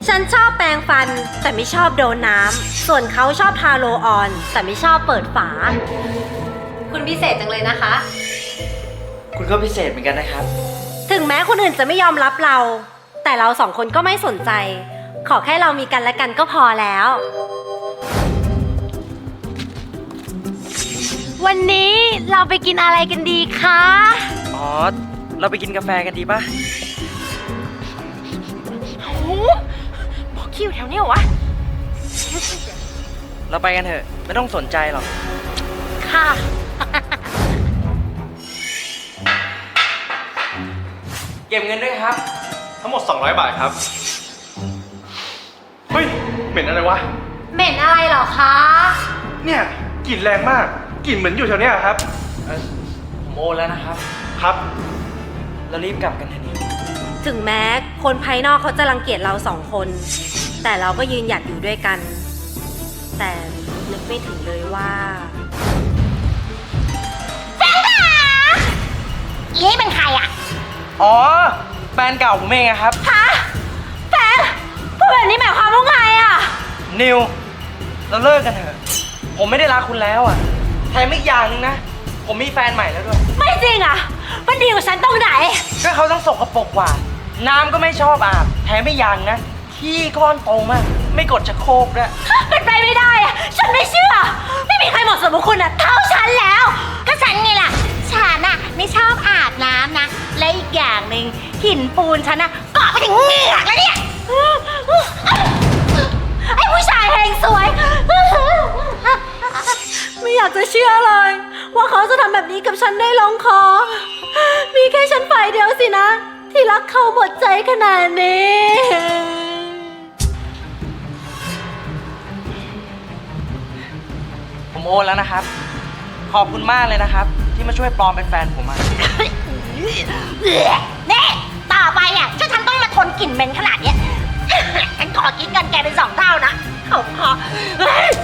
ฉันชอบแปรงฟันแต่ไม่ชอบโดนน้ำส่วนเขาชอบทาโรลออนแต่ไม่ชอบเปิดฝาคุณพิเศษจังเลยนะคะคุณก็พิเศษเหมือนกันนะครับถึงแม้คนอื่นจะไม่ยอมรับเรา แต่เราสองคนก็ไม่สนใจ ขอแค่เรามีกันและกันก็พอแล้ว วันนี้เราไปกินอะไรกันดีคะอ๋อ เราไปกินกาแฟกันดีป่ะบอกคิวแถวนี้เหรอวะเราไปกันเถอะ ไม่ต้องสนใจหรอกค่ะเก็บเงินด้วยครับทั้งหมด200 บาทครับ เฮ้ย เหม็นอะไรวะเหม็นอะไรเหรอคะเนี่ยกลิ่นแรงมาก กลิ่นเหมือนอยู่แถวเนี้ยครับผมโอนแล้วนะครับครับเรารีบกลับกันเถอะนี่ถึงแม้คนภายนอกเขาจะรังเกียจเราสองคน แต่เราก็ยืนหยัดอยู่ด้วยกัน แต่นึกไม่ถึงเลยว่าอีนี่เป็นใครอ่ะอ๋อ แฟนเก่าผมเองอะครับฮะแฟนพูดแบบนี้หมายความว่าไงอ่ะนิว เราเลิกกันเถอะ ผมไม่ได้รักคุณแล้วอะแถมอีกอย่างหนึงนะ ผมมีแฟนใหม่แล้วด้วยไม่จริงอ่ะ มันดีกว่าฉันตรงไหนก็เขาต้องสกปรกกว่า น้ำก็ไม่ชอบอาบ แถมไม่อย่างนะ ขี้ก้อนโตมาก ไม่กดชักโครกด้วยเป็นไปไม่ได้อ่ะ ฉันไม่เชื่อ ไม่มีใครเหมาะสมกับคุณอ่ะเท่าฉันแล้วก็ฉันไงล่ะ ฉันอ่ะไม่ชอบอาบน้ำนะ และอีกอย่างหนึ่งหินปูนฉันอ่ะเกาะไปถึงเหงือกแล้วเนี่ยไอ้ผู้ชายเฮงสวย ไม่อยากจะเชื่อเลย ว่าเขาจะทำแบบนี้กับฉันได้ลงคอ มีแค่ฉันฝ่ายเดียวสินะ ที่รักเขาหมดใจขนาดนี้ผมโอนแล้วนะครับ ขอบคุณมากเลยนะครับ ที่มาช่วยปลอมเป็นแฟนผมอะนี่ต่อไปอ่ะถ้าฉันต้องมาทนกลิ่นเหม็นขนาดเนี้ย ฉันขอกินเงินแกเป็น2 เท่านะเขาขอเฮ้ย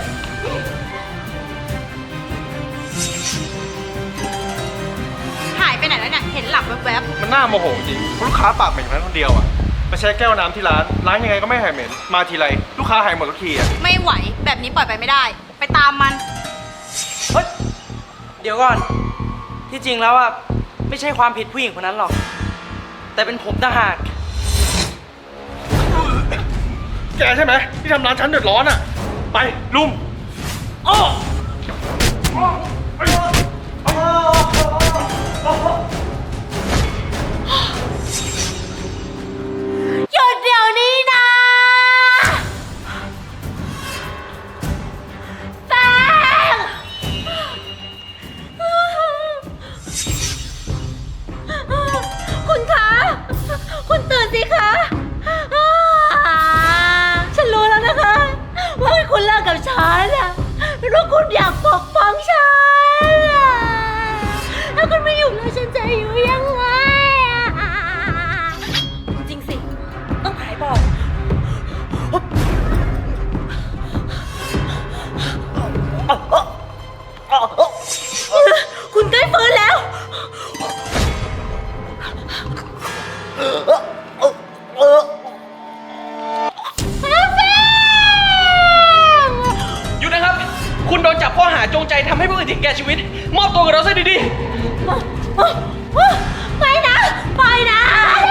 หายไปไหนแล้วเนี่ย เห็นหลับแวบมันน่าโมโหจริงลูกค้าปากเหม็นคนเดียวอ่ะไปใช้แก้วน้ำที่ร้านยังไงก็ไม่หายเหม็น มาทีไรลูกค้าหายหมดทุกทีอ่ะไม่ไหว แบบนี้ปล่อยไปไม่ได้ ไปตามมันเฮ้ย เดี๋ยวก่อน ที่จริงแล้วอะไม่ใช่ความผิดผู้หญิงคนนั้นหรอก แต่เป็นผมต่างหากแกใช่ไหมที่ทำร้านฉันเดือดร้อนอ่ะ ไปลุมหยุดเดี๋ยวนี้นะแป้งคุณคะ คุณตื่นสิคะฉันรู้แล้วนะคะ ว่าคุณเลิกกับฉันอะเพราะคุณอยากปกป้องฉันอะถ้าคุณไม่อยู่แล้วฉันจะอยู่ยังไงอะจริงสิ ต้องหายบอก คุณใกล้ฟื้นแล้วหยุดนะครับ คุณโดนจับข้อหาจงใจทำให้ผู้อื่นถึงแก่ชีวิต มอบตัวกับเราซะดีๆไม่นะปล่อยนะ